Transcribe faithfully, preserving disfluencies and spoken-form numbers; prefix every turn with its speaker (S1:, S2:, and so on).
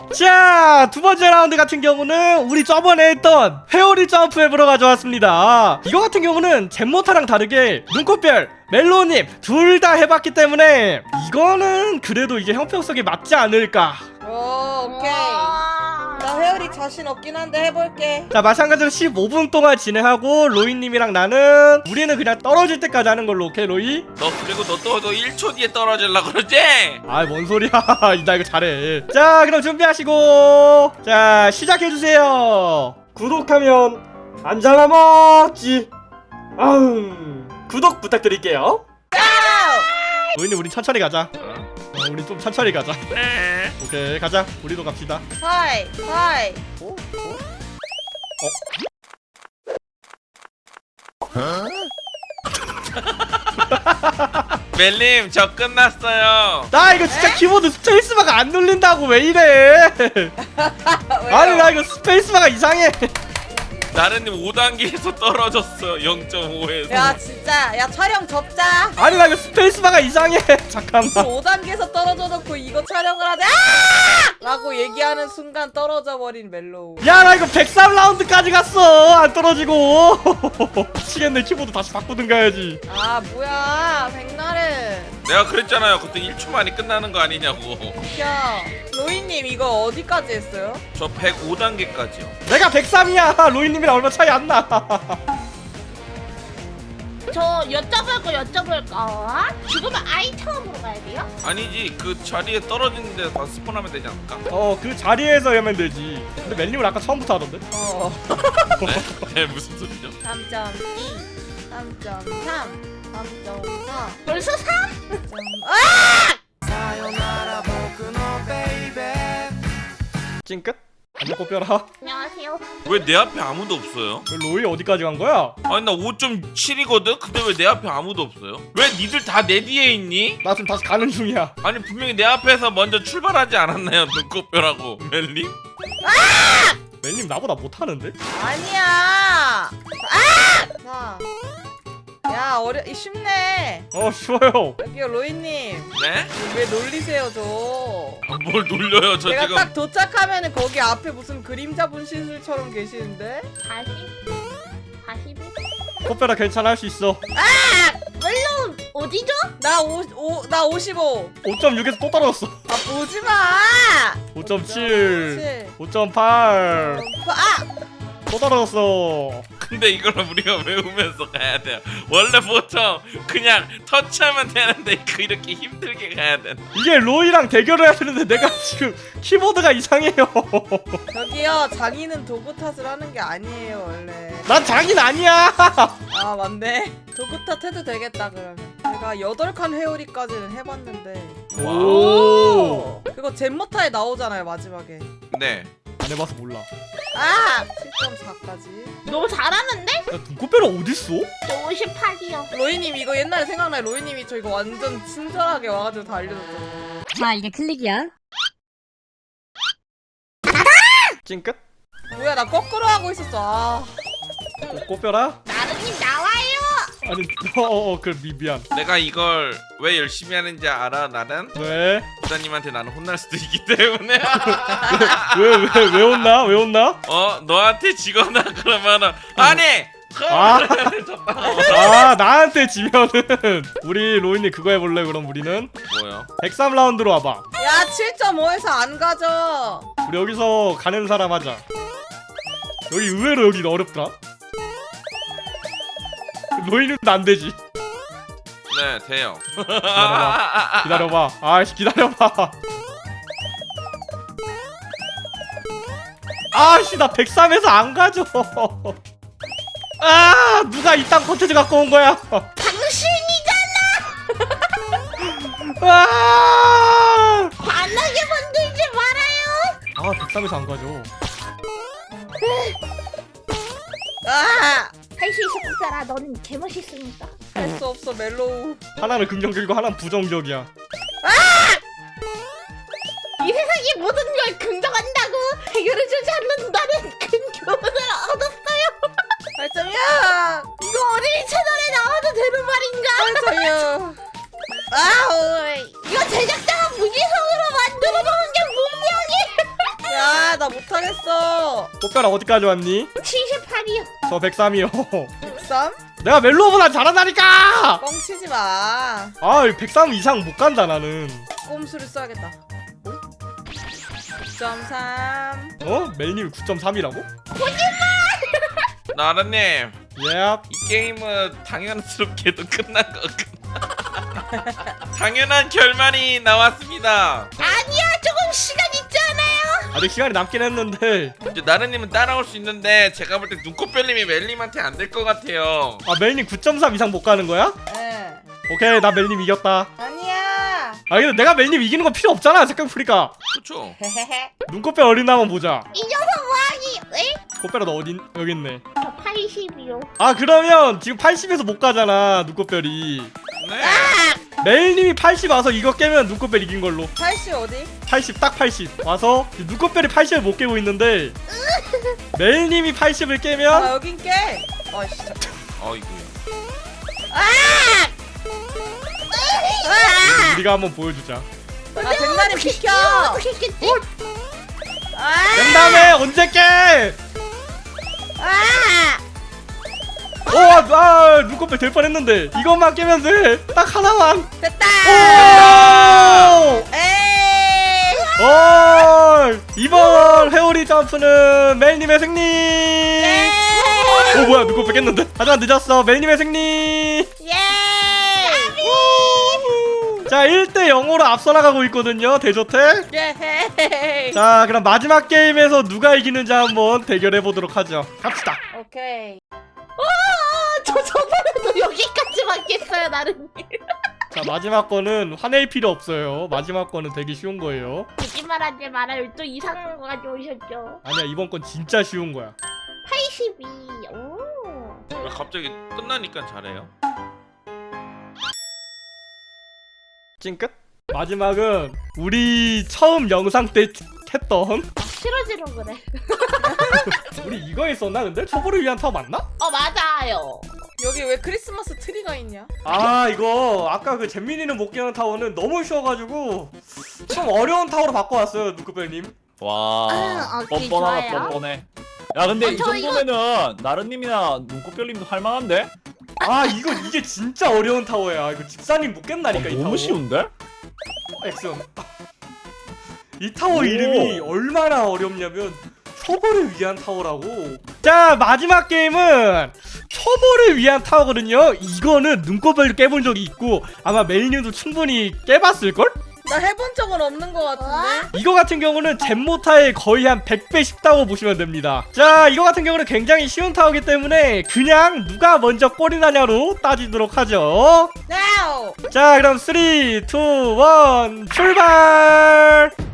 S1: 자, 두 번째 라운드 같은 경우는 우리 저번에 했던 회오리 점프 앱으로 가져왔습니다. 이거 같은 경우는 잼모타랑 다르게 눈꽃별, 멜로우님 둘 다 해봤기 때문에 이거는 그래도 이게 형평성에 맞지 않을까.
S2: 오, 오케이. 나 회오리 자신 없긴 한데 해볼게.
S1: 자, 마찬가지로 십오 분 동안 진행하고 로이님이랑 나는 우리는 그냥 떨어질 때까지 하는 걸로. 오케이 로이?
S3: 너 그리고 너 또 너 일 초 뒤에 떨어질라 그러지?
S1: 아이 뭔 소리야. 나 이거 잘해. 자, 그럼 준비하시고 자 시작해주세요. 구독하면 안 잡아먹지. 아우, 구독 부탁드릴게요. 로이님 우리 천천히 가자. 어, 우리 좀 천천히 가자.
S3: 네.
S1: 오케이 가자. 우리도 갑시다.
S2: 하이 하이.
S1: 어? 어?
S3: 멜님 저 끝났어요.
S1: 나 이거 진짜 키보드 스페이스바가 안 눌린다고. 왜 이래. 아니 나 이거 스페이스바가 이상해.
S3: 나른님 오 단계에서 떨어졌어. 영 점 오에서.
S2: 야 진짜 야 촬영 접자.
S1: 아니 나 이거 스페이스바가 이상해. 잠깐만.
S2: 오 단계에서 떨어져 놓고 이거 촬영을 하자. 아! 라고 얘기하는 순간 떨어져 버린 멜로우.
S1: 야 나 이거 백삼 라운드까지 갔어. 안 떨어지고. 미치겠네. 키보드 다시 바꾸든가 해야지.
S2: 아 뭐야 백날은.
S3: 내가 그랬잖아요. 그때 일 초 만에 끝나는 거 아니냐고.
S2: 야 로이님 이거 어디까지 했어요?
S3: 저 백오 단계까지요.
S1: 내가 백삼이야 로이님이랑 얼마 차이 안나.
S4: 저 여쭤볼 거 여쭤볼 거. 죽으면 아이템으로 가야 돼요?
S3: 아니지 그 자리에 떨어지는 데서 다 스폰하면 되지 않을까?
S1: 어 그 자리에서 하면 되지. 근데 멜님은 아까 처음부터 하던데?
S2: 어.
S3: 네? 네 무슨 소리죠?
S2: 삼 점 이, 삼 점 삼, 삼 점 사.
S4: 벌써 삼?
S1: 찡끗? 안녕 꽃별아.
S4: 안녕하세요.
S3: 왜 내 앞에 아무도 없어요?
S1: 로이 어디까지 간 거야?
S3: 아니 나 오 점 칠이거든? 근데 왜 내 앞에 아무도 없어요? 왜 니들 다 내 뒤에 있니?
S1: 나 지금 다시 가는 중이야.
S3: 아니 분명히 내 앞에서 먼저 출발하지 않았나요? 눈꽃별하고 멜님?
S1: 멜님 나보다 못하는데?
S2: 아니야. 아! 자. 야 어려 이 쉽네.
S1: 어 쉬워요.
S2: 여기요 로이님.
S3: 네?
S2: 왜 놀리세요 저?
S3: 아, 뭘 놀려요 저
S2: 제가
S3: 지금.
S2: 딱 도착하면은 거기 앞에 무슨 그림자 분신술처럼 계시는데?
S4: 사십? 사십일?
S1: 꽃별아 괜찮아 할 수 있어.
S4: 멜론 어디죠?
S2: 나 오, 오, 나 오십오.
S1: 오 점 육에서 또 떨어졌어.
S2: 아 보지 마.
S1: 오 점 칠,
S2: 칠.
S1: 오 점 팔,
S2: 아!
S1: 또 떨어졌어.
S3: 근데 이걸 우리가 외우면서 가야 돼요. 원래 보통 그냥 터치하면 되는데 그 이렇게 힘들게 가야 되나?
S1: 이게 로이랑 대결을 해야 되는데 내가 지금 키보드가 이상해요.
S2: 저기요 장인은 도구 탓을 하는 게 아니에요 원래.
S1: 난 장인 아니야.
S2: 아 맞네. 도구 탓 해도 되겠다 그러면. 제가 여덟 칸 회오리까지는 해봤는데.
S1: 오.
S2: 그거 젠모타에 나오잖아요 마지막에.
S3: 네.
S1: 안 해봐서 몰라.
S2: 아! 칠 점 사까지.
S4: 너무 잘하는데?
S1: 야 눈꽃별아 어딨어?
S4: 저 오십팔이요.
S2: 로이님 이거 옛날에 생각나요. 로이님이 저 이거 완전 친절하게 와가지고 다 알려줬죠.
S5: 자 이게 클릭이야.
S1: 찡끗?
S2: 뭐야 나 거꾸로 하고 있었어. 아.
S1: 꽃별아?
S4: 나른님 나와요.
S1: 아니 어어 그 미, 미안.
S3: 내가 이걸 왜 열심히 하는지 알아 나는?
S1: 왜?
S3: 부사님한테 나는 혼날 수도 있기 때문에.
S1: 왜 왜 왜 혼나? 왜 혼나?
S3: 어 너한테 지거나 그러면은 아니.
S1: 아, 아 나한테 지면은 우리 로이님 그거 해볼래? 그럼 우리는
S3: 뭐요?
S1: 백삼 라운드로 와봐.
S2: 야 칠 점 오에서 안 가져.
S1: 우리 여기서 가는 사람 하자. 여기 의외로 여기 어렵더라. 로이님도 안 되지.
S3: 네 돼요.
S1: 기다려봐. 기다려봐. 아이씨 기다려봐. 아씨 나 백삼에서 안 가져. 아 누가 이딴 콘텐츠 갖고 온 거야.
S4: 당신이잖아.
S1: 아,
S4: 반하게 만들지 말아요.
S1: 아 백삼에서 안 가죠.
S2: 아!
S4: 할 수 있어 국사라. 너는 개멋있으니까.
S2: 할 수 없어 멜로우.
S1: 하나는 긍정적이고 하나는 부정적이야.
S4: 이 세상의 모든 걸 긍정한다고 해결해주지 않는 나는 큰 교훈을 얻었어요.
S2: 팔 점이야.
S4: 이거 어린이 채널에 나와도 되는 말인가?
S2: 팔 점이야. 아우.
S4: 이거 제작자가 무지성으로 만들어 놓은 게 분명히.
S2: 못하겠어.
S1: 꽃벼락 어디까지 왔니?
S4: 칠십팔이요.
S1: 저 백삼이요.
S2: 백삼?
S1: 내가 멜로보다 잘한다니까!
S2: 뻥치지 마.
S1: 아 백삼 이상 못 간다 나는.
S2: 꼼수를 써야겠다. 구 점 삼.
S1: 어? 멜님이 구 점 삼이라고?
S3: 나라님
S1: 예.
S3: 이 게임은 당연스럽게도 끝난 것 같아. 당연한 결말이 나왔습니다.
S4: 아니야, 조금 시간 있잖아요.
S1: 아직 시간이 남긴 했는데.
S3: 이제 나르님은 따라올 수 있는데 제가 볼 때 눈꽃별님이 멜님한테 안 될 것 같아요.
S1: 아 멜님 구 점 삼 이상 못 가는 거야?
S2: 네.
S1: 오케이 나 멜님 이겼다.
S2: 아니야.
S1: 아 근데 내가 멜님 이기는 거 필요 없잖아 생각해보니까.
S3: 그렇죠.
S2: 헤헤헤.
S1: 눈꽃배 어린다 한번 보자.
S4: 이 녀석 뭐하니? 에?
S1: 꽃배라 너 어디 여기 있네.
S4: 저 팔십이요.
S1: 아 그러면 지금 팔십에서 못 가잖아 눈꽃별이.
S3: 네.
S1: 멜님이 팔십 와서 이거 깨면 눈꽃별 이긴 걸로.
S2: 팔십 어디?
S1: 팔십 딱 팔십 와서 눈꽃별이 팔십을 못 깨고 있는데 멜님이 팔십을
S2: 아
S1: 깨면
S2: 여긴 깨. 아 진짜.
S3: 어이구야.
S1: 우리가 한번 보여주자.
S2: 아 백날이 비켜.
S4: 어떻게 했겠지?
S2: 아.
S1: 깬 다음에 언제 깨?
S4: 아!
S1: 오, 아, 눈꽃별 될 뻔했는데 이것만 깨면 돼. 딱 하나만.
S2: 됐다.
S1: 오!
S2: 에이.
S1: 오! 이번 회오리 점프는 멜님의 승리.
S2: 예.
S1: 오 뭐야 눈꽃별 깼는데? 하지만 늦었어. 멜님의 승리.
S2: 예.
S1: 자 일 대 영으로 앞서 나가고 있거든요 대조태.
S2: 예.
S1: 자 그럼 마지막 게임에서 누가 이기는지 한번 대결해보도록 하죠. 갑시다.
S2: 오케이.
S4: 아, 저 저번에도 여기까지 맞겠어요, 나름.
S1: 자 마지막 거는 화낼 필요 없어요. 마지막 거는 되게 쉬운 거예요.
S4: 거짓말하지 말아요. 또 이상한 거 가져오셨죠.
S1: 아니야 이번 건 진짜 쉬운 거야.
S4: 팔십이. 오.
S3: 왜 갑자기 끝나니까 잘해요?
S1: 찡끗? 마지막은 우리 처음 영상 때 했던
S4: 아, 싫어지는 거네.
S1: 우리 이거 했었나 근데? 초보를 위한 타워 맞나?
S4: 어, 맞아요.
S2: 여기 왜 크리스마스 트리가 있냐?
S1: 아 이거 아까 그 잼민이는 못 깨는 타워는 너무 쉬워가지고 좀 어려운 타워로 바꿔왔어요 누크벨님.
S5: 와
S4: 아, 오케이,
S5: 뻔뻔하다
S4: 좋아요.
S5: 뻔뻔해. 야 근데
S4: 아,
S5: 이
S4: 저 이거-
S5: 정도면은 나른님이나 눈꽃별님도 할만한데?
S1: 아 이거 이게 진짜 어려운 타워야. 이거 집사님 못 깬다니까 이 타워.
S5: 너무 쉬운데?
S1: 어, 액션. 이 타워
S5: 오.
S1: 이름이 얼마나 어렵냐면 초보를 위한 타워라고. 자 마지막 게임은 초보를 위한 타워거든요. 이거는 눈꽃별도 깨본 적이 있고 아마 멜님도 충분히 깨봤을걸?
S2: 나 해본 적은 없는 것 같은데.
S1: 이거 같은 경우는 잼모타의 거의 한 백 배 쉽다고 보시면 됩니다. 자 이거 같은 경우는 굉장히 쉬운 타워이기 때문에 그냥 누가 먼저 꼴이 나냐로 따지도록 하죠.
S2: Now.
S1: 자 그럼 삼, 이, 일 출발.